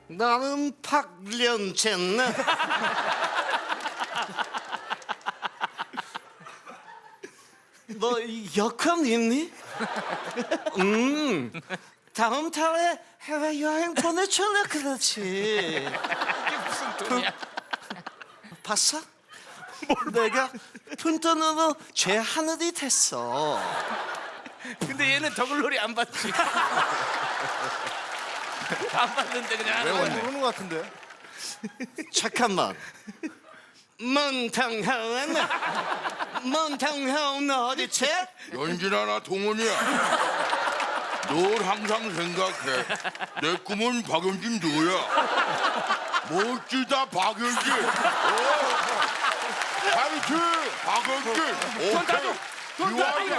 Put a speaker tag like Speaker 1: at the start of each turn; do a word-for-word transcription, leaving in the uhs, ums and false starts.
Speaker 1: 나는 박련체네. 너 여권 있니? 음, 다음 달에 해외 여행 보내줄래 그렇지.
Speaker 2: 이게 무슨 돈이야?
Speaker 1: 봤어? 내가 푼돈으로 죄 하늘이 됐어.
Speaker 2: 근데 얘는 더글로리 안 받지. 안 받는데 그냥 하는 거야.
Speaker 3: 모르는 것 같은데.
Speaker 1: 잠깐만. 문탕하은 문탕하은 어디지?
Speaker 4: 연진아 나 동원이야. 널 항상 생각해. 내 꿈은 박연진 너야. 멋지다 박연진. 어. 파이팅 박연진.
Speaker 2: 돈 다 줘. 돈 다 줘.